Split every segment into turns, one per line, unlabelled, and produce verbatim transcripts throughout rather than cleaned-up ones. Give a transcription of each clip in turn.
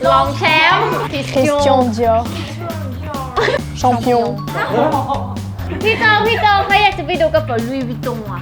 รองแชมป์
Christian Dior Champion
พี่จองพี่จองเขาอยากจะไปดูกระเป๋าลุยวิตตงอ่ะ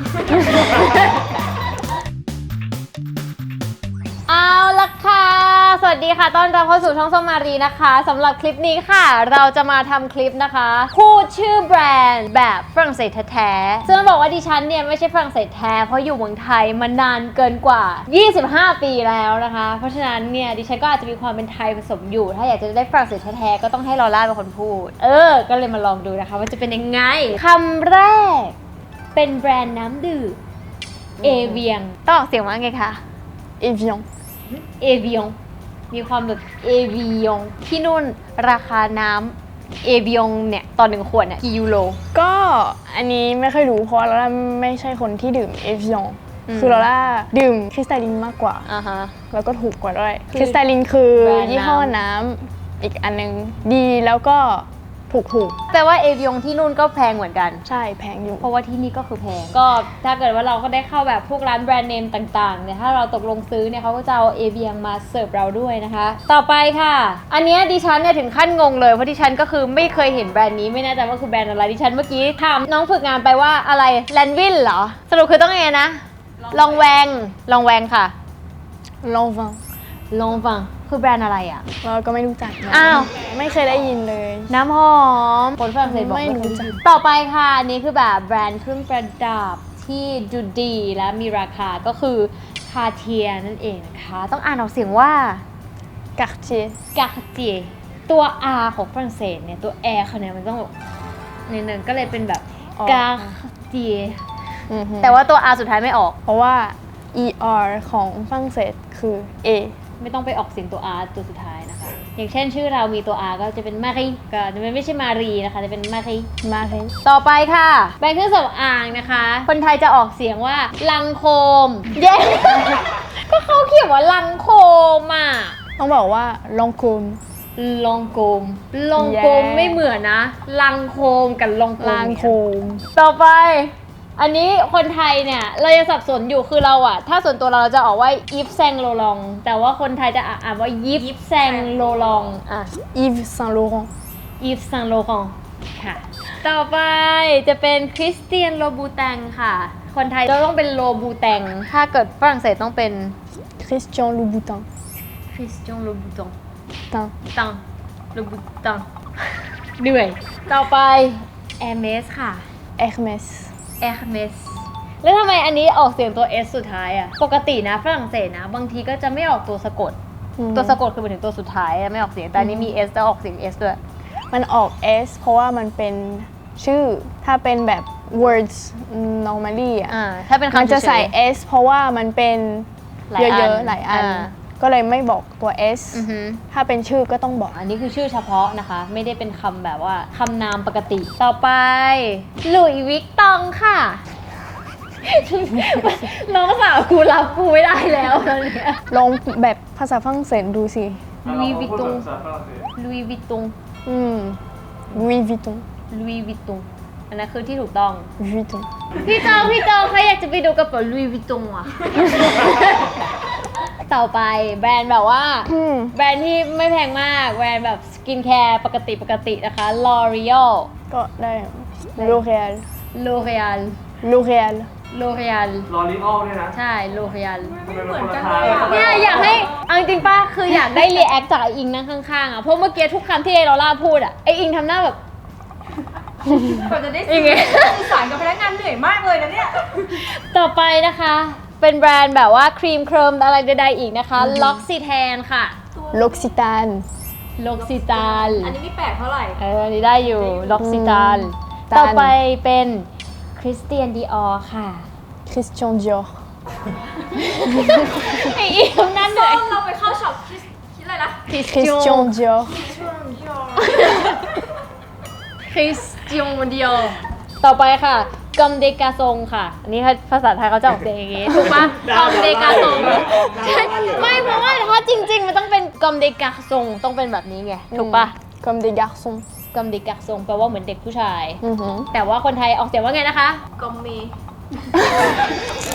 เอาละค่ะ สวัสดีค่ะ ต้อนรับเข้าสู่ช่องส้มมารีนะคะสำหรับคลิปนี้ค่ะ เราจะมาทำคลิปนะคะพูดชื่อแบรนด์แบบฝรั่งเศสแท้ๆซึ่งบอกว่าดิฉันเนี่ยไม่ใช่ฝรั่งเศสแท้เพราะอยู่เมืองไทยมานานเกินกว่ายี่สิบห้าปีแล้วนะคะ เพราะฉะนั้นเนี่ยดิฉันก็อาจจะมีความเป็นไทยผสมอยู่ถ้าอยากจะได้ฝรั่งเศสแท้ๆก็ต้องให้ลอร่าเป็นคนพูดเออก็เลยมาลองดูนะคะว่าจะเป็นยังไงคำแรกเป็นแบรนด์น้ำดื่มเอเวียงต้องออกเสียงว่าไงคะ
Evian
เอวิองมีความแบบเอวิองที่นู่นราคาน้ำเอวิองเนี่ยต่อหนึ่งขวดเนี่ยกี่ยูโร
ก็อันนี้ไม่เคยรู้เพราะเราไม่ใช่คนที่ดื่ม Evian คือเราล่าดื่มคริสตัลลินมากกว่า
อ่าฮะ
แล้วก็ถูกกว่าด้วยคริสตัลลินคือ
แบรนด์น้ำ
ยี่ห้อน้ำอีกอันนึงดีแล้วก็ถูกถูก
แต่ว่าเอวิองที่นู่นก็แพงเหมือนกัน
ใช่แพงอยู่
เพราะว่าที่นี่ก็คือแพงก็ถ้าเกิดว่าเราก็ได้เข้าแบบพวกร้านแบรนด์เนมต่างๆเนี่ยถ้าเราตกลงซื้อเนี่ยเขาก็จะเอาเอเวียงมาเสิร์ฟเราด้วยนะคะ ต่อไปค่ะ อันเนี้ยดิฉันเนี่ยถึงขั้นงงเลยเพราะดิฉันก็คือไม่เคยเห็นแบรนด์นี้ไม่แน่ใจว่าคือแบรนด์อะไรดิฉันเมื่อกี้ถามน้องฝึกงานไปว่าอะไรแลนวินเหรอสรุปคือต้องไงนะลองแวงลองแวงค่ะ
ลองฟัง
ลองฟังคือแบรนด์อะไรอ่ะ
เราก็ไม่รู้จักนะ
อ้าว
ไม่เคยได้ยินเลย
น้ำหอมคนฝรั่งเศสบอก
ไม่รู้จัก
ต่อไปค่ะอันนี้คือแบบแบรนด์เครื่องประดับที่ดูดีและมีราคาก็คือคาเทียนั่นเองนะคะต้องอ่านออกเสียงว่า
Cartier
กาเทียตัว R ของฝรั่งเศสเนี่ยตัว R เขาเนี่ยมันต้องแบบนิดนึงก็เลยเป็นแบบ
อ๋อ
กาเทีย
อือฮึ
แต่ว่าตัว R สุดท้ายไม่ออก
เพราะว่า er ของฝรั่งเศสคือ a
ไม่ต้องไปออกเสียงตัว R ตัวสุดท้ายนะคะ อย่างเช่นชื่อเรามีตัว R ก็จะเป็นมารีก็จะไม่ใช่มารีนะคะจะเป็นมารี
มาเลย
ต่อไปค่ะแบรนด์เครื่องสำอางนะคะ คนไทยจะออกเสียงว่าลังโคม เย้ ก็เขาเขียนว่าลังโคมอ่ะ
ต้องบอกว่าลองคุม
ลองโกมลองโกม
แย่
ไม่เหมือนนะลังโคมกับลองโกม
ลางโคม
ต่อไป อันนี้คนไทยเนี่ยเราจะสับสนอยู่คือเราอะถ้าส่วนตัวเราเราจะออกว่าอีฟแซงโลลองแต่ว่าคนไทยจะอ่านว่ายิปแซงโลลองอ่ะ
Yves Saint Laurent
อีฟซังโลคองค่ะ ต่อไปจะเป็นคริสเตียนโลบูแตงค่ะ คนไทยเราต้องเป็นโลบูแตง ถ้าเกิดฝรั่งเศสต้องเป็น
Christian Louboutin
คริสเตียนโลบูตง
Tin
ตังโลบูตังเหนื่อย ต่อไป Hermes ค่ะ
Hermès
Hermes แล้วทำไมอันนี้ออกเสียงตัว S สุดท้ายอะปกตินะฝรั่งเศสนะ บางทีก็จะไม่ออกตัวสะกด
อืม
ตัวสะกดคือหมายถึงตัวสุดท้ายอะไม่ออกเสียง แต่อันนี้มี S แล้วออกเสียง S ด้วย
มันออก S เพราะว่ามันเป็นชื่อ ถ้าเป็นแบบ words normally อ่ะ
อ่า ถ้าเป็น
มัน
คำ
จะใส่
เฉย
S เพราะว่ามันเป็น
หลายอัน
เยอะๆ หลายอัน
อ่า
ก็เลยไม่บอกตัว S
อือฮึ
ถ้าเป็นชื่อก็ต้องบอก
อันนี้คือชื่อเฉพาะนะคะ ไม่ได้เป็นคำแบบว่าคำนามปกติ ต่อไปหลุยส์วิกตองค่ะ น้องสาวกูรับกูไม่ได้แล้วตอนเนี้ย
ลองแบบภาษาฝรั่งเศสดูสิ
ลุยส์วิตตงลุยส์วิตตง
อืม Louis Vuitton
ลุยส์วิตตงอันนั้นคือที่ถูกต้อง
Vuitton
พี่จองพี่จองใครอยากจะไปดูกระเป๋าลุยส์วิตตงอ่ะ ต่อไปแบรนด์แบบว่า
อืม
แบรนด์ที่ไม่แพงมาก แบรนด์แบบสกินแคร์ปกติปกตินะคะ L'Oreal
ก็ได้ L'Oréal
L'Oreal
L'Oréal
L'Oreal
ลอรีออลด้วยนะ
ใช่ L'Oreal
ทำไมมันคนละทาง
เนี่ยอยากให้เอาจริงๆป้าคืออยากได้รีแอคจากไออิงนั่งข้างๆอ่ะเพราะเมื่อกี้ทุกคำที่ไอลอล่าพูดอ่ะไออิงทำหน้าแบบ
กว่าจะได้
ยังไง
สื่อสารกับพนักงานเหนื่อยมากเลยนะเนี่ย
ต่อไปนะคะ เป็นแบรนด์แบบว่าครีมเคลิมอะไรใดๆอีกนะคะ L'Occitane ค่ะ
L'Occitane
L'Occitane
อันนี้ไม่แปลกเท่าไหร่
เอออันนี้ได้อยู่ L'Occitane
อืม
ต่อไปเป็นคริสเตียนดีออค่ะ
Christian Dior
ไออิงทำหน้าเหนื่อย
เราไปเข้าช็อปคิดคิดอะไรนะ
Christian Dior
ช่วงยอ
คริสเตียนดีออต่อไปค่ะกอมเดกาซงค่ะ อันนี้ภาษาไทยเขาจะออกเสียงอย่างงี้ ถูกปะกอมเดกาซงใช่ไม่เพราะว่าถ้าจริงๆ มันต้องเป็นกอมเดกาซงต้องเป็นแบบนี้ไง ถูกปะ
Comme des garçons
กอมเดกาซงแปลว่าเหมือนเด็กผู้ชาย
อือหือ
แต่ว่าคนไทยออกเสียงว่าไงนะคะ
กอมเม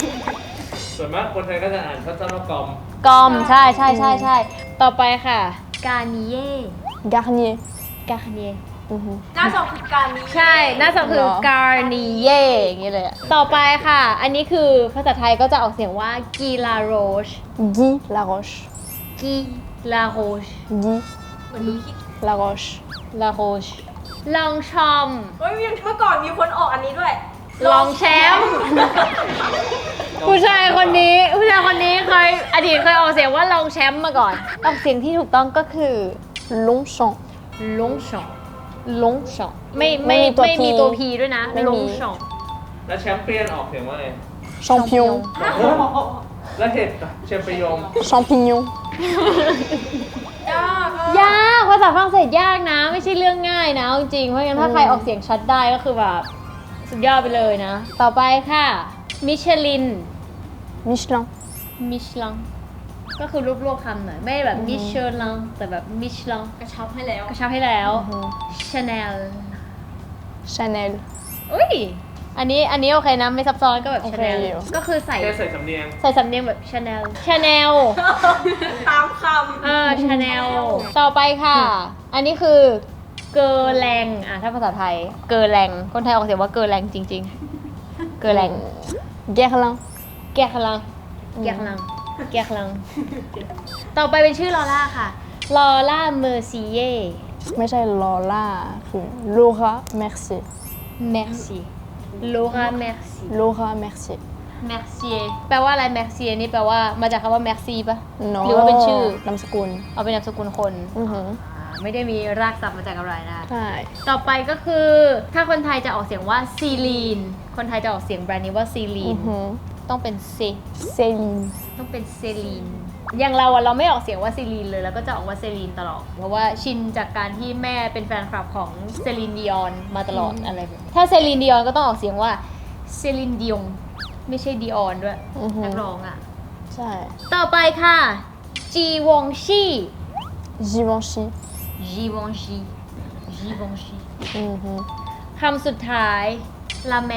ส่วนมากคนไทยก็จะอ่านสั้นๆว่ากอม
กอมใช่ใช่ใช่ใช่ต่อไปค่ะ Garnier
Garnier.
Garnier
อือฮึ
หน้าสองคือการนี้
ใช่หน้าสองคือ
เหรอ
Garnier อย่างนี้เลยอะต่อไปค่ะ อันนี้คือภาษาไทยก็จะออกเสียงว่า Guy La Roche
Guy Laroche.
Guy La Roche
Guy
เหมือนรู้คิด
Laroche.
La Roche ลองชอม
เฮ้ยเมื่อก่อนมีคนออกอันนี้ด้วย
ลองแชมป์ ผู้ชายคนนี้ผู้ชายคนนี้เคยอดีตเคยออกเสียงว่าลองแชมป์มาก่อน ออกเสียงที่ถูกต้องก็คือ
Longchamp.
ลงช่องลงช่องไม่
ไม่
ไม่
มีตัว P
ไม่มีตัวพีด้วยนะ
ไม่มี
ลงช่อง
แล้วแชมเปี้ยนออกเสียงว่าไง
Champion.
แล้วเห็ดแชมเปี้ยน
Champignon.
ยากอะ
ยากภาษาฝรั่งเศสยากนะ ไม่ใช่เรื่องง่ายนะเอาจริงๆเพราะงั้นถ้าใครออกเสียงชัดได้ก็คือแบบสุดยอดไปเลยนะ ต่อไปค่ะมิชลิน
Michelin.
มิชลังก็คือรวบๆคำหน่อยไม่แบบมิชลังแต่แบบมิชลัง
กระชับให้แล้ว
กระชับให้แล้ว
อือฮึ
ชาแนล
Chanel.
อุ้ยอันนี้อันนี้โอเคนะไม่ซับซ้อนก็แบบ
โอ
ชา
เค
แนล
อยู่
ก็คือใส่
แค่ใส่สำเนียง
ใส่สำเนียงแบบชาแนลชาแนล
ตามคำ
เออชาแนลต่อไปค่ะ อันนี้คือเกอร์แรงอ่ะถ้าภาษาไทยเกอร์แรงคนไทยออกเสียงว่าเกอร์แรงจริง ๆ เกอร์แรง
Guerlain.
แกะลังแกะลังแกะลัง ต่อไปเป็นชื่อลอล่าค่ะลอล่าเมอร์ซีเย่
ไม่ใช่ Lola คือ Laura Mercier.
merci Laura merci
Laura Mercier.
Mercier แปลว่าอะไร Mercier นี่แปลว่ามาจากคำว่า merci ปะ
No.
หรือว่าเป็นชื่อ
นามสกุล
เอาเป็นนามสกุลคน
อือฮึ
อ่าไม่ได้มีรากศัพท์มาจากอะไรนะ
ใช่
ต่อไปก็คือ ถ้าคนไทยจะออกเสียงว่าซีลีน คนไทยจะออกเสียงแบรนด์นี้ว่าซีลี
อื
น
อฮึ
ต้องเป็นเซ
Céline.
ต้องเป็นเซลีน อย่างเราอะเราไม่ออกเสียงว่าซีลีนเลยแล้วก็จะออกว่าเซลีนตลอด เพราะว่าชินจากการที่แม่เป็นแฟนคลับของเซลีนดิออนมาตลอดอะไรแบบนี้ถ้าเซลีนดิออนก็ต้องออกเสียงว่าเซลีนดิองไม่ใช่ดิออนด้วย
อือฮึ
นักร้องอะ
ใช่
ต่อไปค่ะจีวองชี
Givenchy.
จีวองชีจีวองชี
อือฮึ
คำสุดท้ายลาแม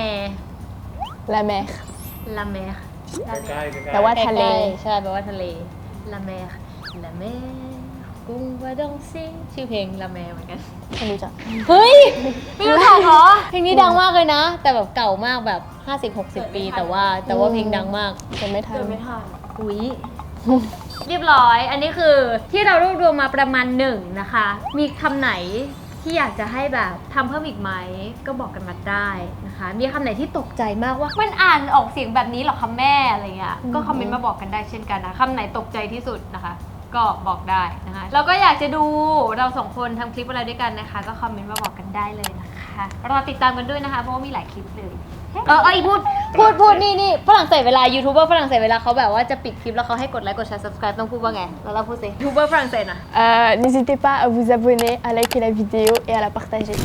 La mer.
ลาแม
ใกล้ๆใกล้ๆ
แปลว่า ทะเล
ใช่แปลว่าทะเลลาแมลาแมกุ้งวาดองซิชื่อเพลงลาแมเหมือนกัน
ไม่รู้จัก
เฮ้ย ไม่รู้จักเหรอ เพลงนี้ดังมากเลยนะ แต่แบบเก่ามากแบบ ห้าสิบหกสิบ ปี แต่ว่าแต่ว่าเพลงดังมาก
จะไม่ทัน
เดินไม่ทัน
อุ๊ย เรียบร้อย อันนี้คือที่เรารวบรวมมาประมาณหนึ่งนะคะ มีคำไหนที่อยากจะให้แบบทำเพิ่มอีกไหม ก็บอกกันมาได้นะคะ มีคำไหนที่ตกใจมากว่า มันอ่านออกเสียงแบบนี้เหรอคะแม่อะไรเงี้ย ก็คอมเมนต์มาบอกกันได้เช่นกันนะคำไหนตกใจที่สุดนะคะ ก็บอกได้นะคะแล้วก็อยากจะดูเราสองคนทำคลิปอะไรด้วยกันนะคะ ก็คอมเมนต์มาบอกกันได้เลยนะคะรอติดตามกันด้วยนะคะ เพราะว่ามีหลายคลิปเลย เออเอยพูดพูดพูดนี่นี่ฝรั่งเศสเวลายูทูบเบอร์ฝรั่งเศสเวลาเขาแบบว่าจะปิดคลิปแล้วเขาให้กดไลค์กดแชร์ subscribe ต้องพูดว่าไงแล้วเราพูดสิยูทูบเบอร์ฝรั่งเศสอะ
Euh, N'hésitez pas à vous abonner, à liker la vidéo et à la partager.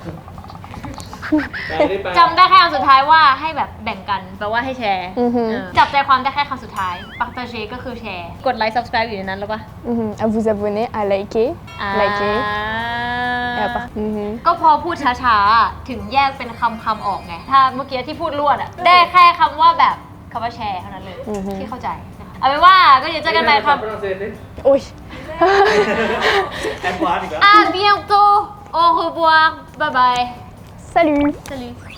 แปลได้แปล
จำได้แค่คำสุดท้ายว่าให้แบบแบ่งกันแปลว่าให้แชร์
อือฮึ
เออจับใจความได้แค่คำสุดท้ายปักตาเชก็คือแชร์กดไลค์ subscribe อยู่ในนั้นแล้วปะ
Mhm. À vous abonner, à liker,
อ่า
liker et à partager. Mhm.
ก็พอพูดช้าๆ ถึงแยกเป็นคำคำๆออกไง ถ้าเมื่อกี้ที่พูดรวดอะได้แค่คำว่าแบบคำว่าแชร์เท่านั้นเลย
อือฮึ
ที่เข้าใจนะคะเอาเป็นว่าก็เดี๋ยวเจอกันใหม่ครับ
ฝรั่งเศสดิ
Oui.
แอดวานซ์อีกแล้ว
À bientôt. Au revoir. Bye bye.
Salut.
Salut.